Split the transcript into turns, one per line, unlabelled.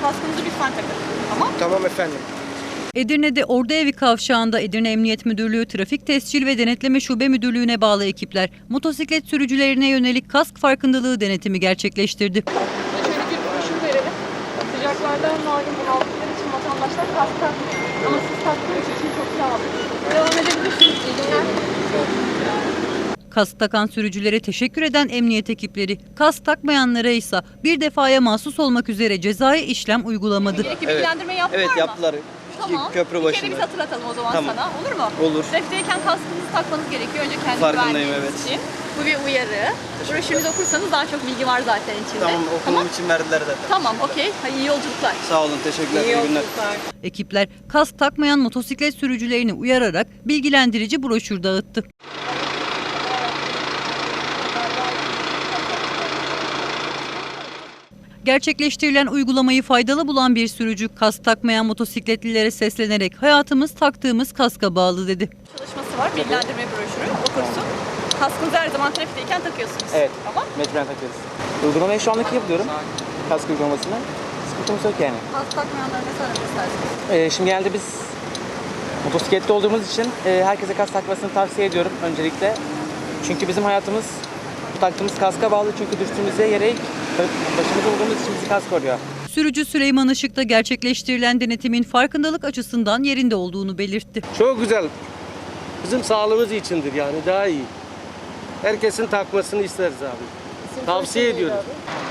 kaskınızı lütfen takın. Tamam?
Tamam efendim.
Edirne'de Orduevi Kavşağı'nda Edirne Emniyet Müdürlüğü Trafik Tescil ve Denetleme Şube Müdürlüğü'ne bağlı ekipler motosiklet sürücülerine yönelik kask farkındalığı denetimi gerçekleştirdi.
Şöyle bir broşür verelim. Sıcaklardan malum bunaldıkları için vatandaşlar kask takmıyor. Ama siz taktığınız için çok sağ olun. Devam edebilirsiniz. İyi günler.
Kask takan sürücülere teşekkür eden emniyet ekipleri, kask takmayanlara ise bir defaya mahsus olmak üzere cezai işlem uygulamadı.
Gerekli bilgilendirme yaptılar
Evet
mı?
yaptılar.
Tamam.
Köprü
Bir
başında.
kere biz hatırlatalım o zaman
Tamam.
sana. Olur mu?
Olur.
Trafikteyken kaskınızı takmanız gerekiyor. Önce kendi
Farkındayım,
güvenliğiniz
evet.
için. Bu bir uyarı. Broşürünüzü okursanız daha çok bilgi var zaten içinde.
Tamam okumam için verdiler zaten.
Tamam, okey. Hadi iyi yolculuklar.
Sağ olun, teşekkürler. İyi günler.
Ekipler kask takmayan motosiklet sürücülerini uyararak bilgilendirici broşür dağıttı. Gerçekleştirilen uygulamayı faydalı bulan bir sürücü kask takmayan motosikletlilere seslenerek hayatımız taktığımız kaska bağlı dedi.
Çalışması var. Bilgilendirme broşürü. Okursun. Kaskınızı her zaman trafikteyken takıyorsunuz.
Evet.
Tamam.
Mecburen takıyoruz. Uygulamayı şu anlık yapıyorum. Kask uygulamasını. Sıkıntımız yok yani.
Kask takmayanlara ne söylemek istersiniz?
Şimdi genelde biz motosiklette olduğumuz için herkese kask takmasını tavsiye ediyorum öncelikle. Çünkü bizim hayatımız bu taktığımız kaska bağlı. Çünkü düştüğümüzde yere ilk başımızda olduğumuz için bizi kask koruyor.
Sürücü Süleyman Işık'ta gerçekleştirilen denetimin farkındalık açısından yerinde olduğunu belirtti.
Çok güzel. Bizim sağlığımız içindir yani daha iyi. Herkesin takmasını isteriz abi. Tavsiye ediyorum.